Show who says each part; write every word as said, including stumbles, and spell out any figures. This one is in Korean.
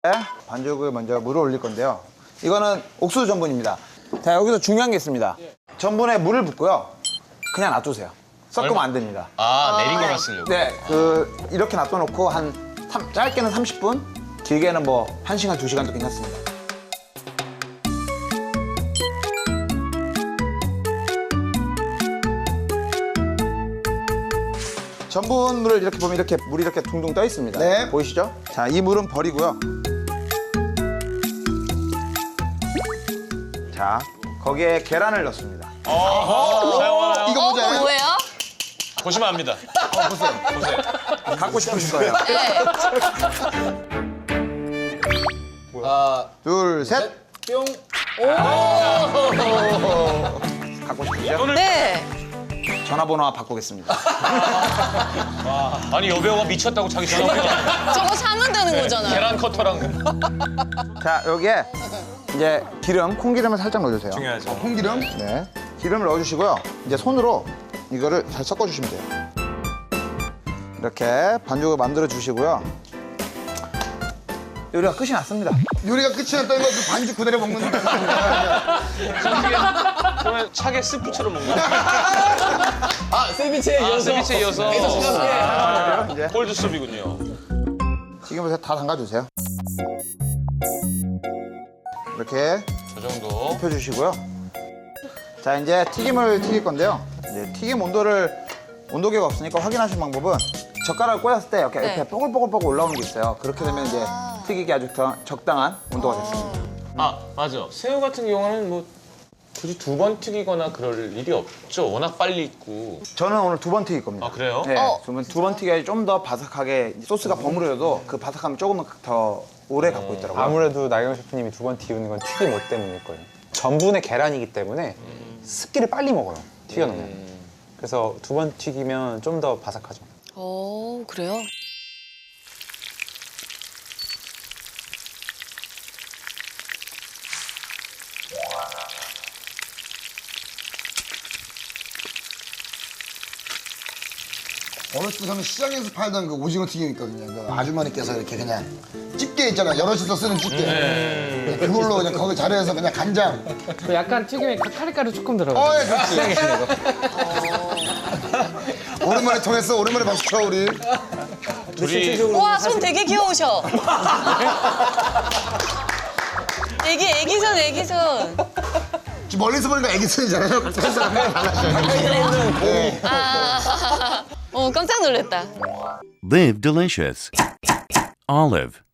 Speaker 1: 반죽을 먼저 물을 올릴 건데요. 이거는 옥수수 전분입니다. 자, 여기서 중요한 게 있습니다. 전분에 물을 붓고요. 그냥 놔두세요. 섞으면 안 됩니다.
Speaker 2: 아, 내린 거만 쓰려고.
Speaker 1: 네, 그 이렇게 놔둬놓고 한 삼, 짧게는 삼십 분, 길게는 뭐 한 시간, 두 시간도 괜찮습니다. 전분물을 이렇게 보면 이렇게 물이 이렇게 둥둥 떠 있습니다.
Speaker 3: 네.
Speaker 1: 보이시죠? 자, 이 물은 버리고요. 자, 거기에 계란을 넣습니다.
Speaker 2: 사용하나요?
Speaker 3: 이거
Speaker 4: 어,
Speaker 3: 보자.
Speaker 4: 그거 뭐예요?
Speaker 2: 보시면 압니다. 보세요.
Speaker 1: 갖고 싶으신 거예요.
Speaker 4: 네.
Speaker 1: 둘, 셋.
Speaker 3: 뿅.
Speaker 1: 갖고 싶으시죠?
Speaker 4: 네.
Speaker 1: 전화번호 바꾸겠습니다.
Speaker 2: 아니, 여배우가 미쳤다고 자기 전화번호.
Speaker 4: 저거 사면 되는 거잖아요.
Speaker 2: 계란 커터랑.
Speaker 1: 자, 여기에 이제 기름, 콩기름을 살짝 넣어주세요.
Speaker 2: 중요하죠.
Speaker 3: 콩기름.
Speaker 1: 네. 기름을 넣어주시고요. 이제 손으로 이거를 잘 섞어주시면 돼요. 이렇게 반죽을 만들어 주시고요. 요리가 끝이 났습니다.
Speaker 3: 요리가 끝이 났다는 건 그 반죽 그대로 먹는 거야.
Speaker 2: 그러면 차게 스프처럼 먹는 거.
Speaker 5: 아, 세비체에
Speaker 2: 아,
Speaker 5: 이어서.
Speaker 2: 세비체 이어서.
Speaker 1: 아, 이제
Speaker 2: 콜드 수프이군요.
Speaker 1: 튀김을 다 담가주세요. 이렇게
Speaker 2: 저 정도.
Speaker 1: 펴주시고요. 자, 이제 튀김을 튀길 건데요. 이제 튀김 온도를 온도계가 없으니까 확인하실 방법은 젓가락을 꽂았을 때 이렇게,
Speaker 4: 네.
Speaker 1: 이렇게 뽀글뽀글뽀글 올라오는 게 있어요. 그렇게 되면 이제 튀기기 아주 더 적당한 온도가 됐습니다.
Speaker 2: 아, 맞아. 새우 같은 경우는 뭐 굳이 두 번 튀기거나 그럴 일이 없죠. 워낙 빨리 익고.
Speaker 1: 저는 오늘 두 번 튀길 겁니다.
Speaker 2: 아, 그래요?
Speaker 1: 네,
Speaker 4: 어.
Speaker 1: 그러면 두 번 튀겨야지 좀 더 바삭하게 소스가 버무려도 그 바삭함이 조금은 더 오래 갖고 있더라고요.
Speaker 6: 아무래도 나경 셰프님이 두 번 튀우는 건 튀김 옷 때문일 거예요. 전분의 계란이기 때문에 습기를 빨리 먹어요, 튀겨놓으면. 그래서 두 번 튀기면 좀 더 바삭하죠.
Speaker 4: 오, 그래요?
Speaker 3: 어렸을 때 저는 시장에서 팔던 그 오징어 튀김 있거든요. 그 아주머니께서 이렇게 그냥 집게 있잖아. 여럿이서 쓰는 집게. 그걸로 그냥 거기 자리에서 그냥 간장.
Speaker 5: 그 약간 튀김에 카리가루 조금 들어가요.
Speaker 3: 어, 예, 그렇지. 오랜만에 통했어. 오랜만에 박수 쳐, 우리.
Speaker 2: 둘이
Speaker 4: 와, 손 되게 귀여우셔. 애기, 애기손, 애기손.
Speaker 3: 지금 멀리서 보니까 애기 손이잖아요. 가까이서 보면 달라져요. 네.
Speaker 4: 아, 어, 깜짝 놀랐다.
Speaker 7: Live delicious. Olive.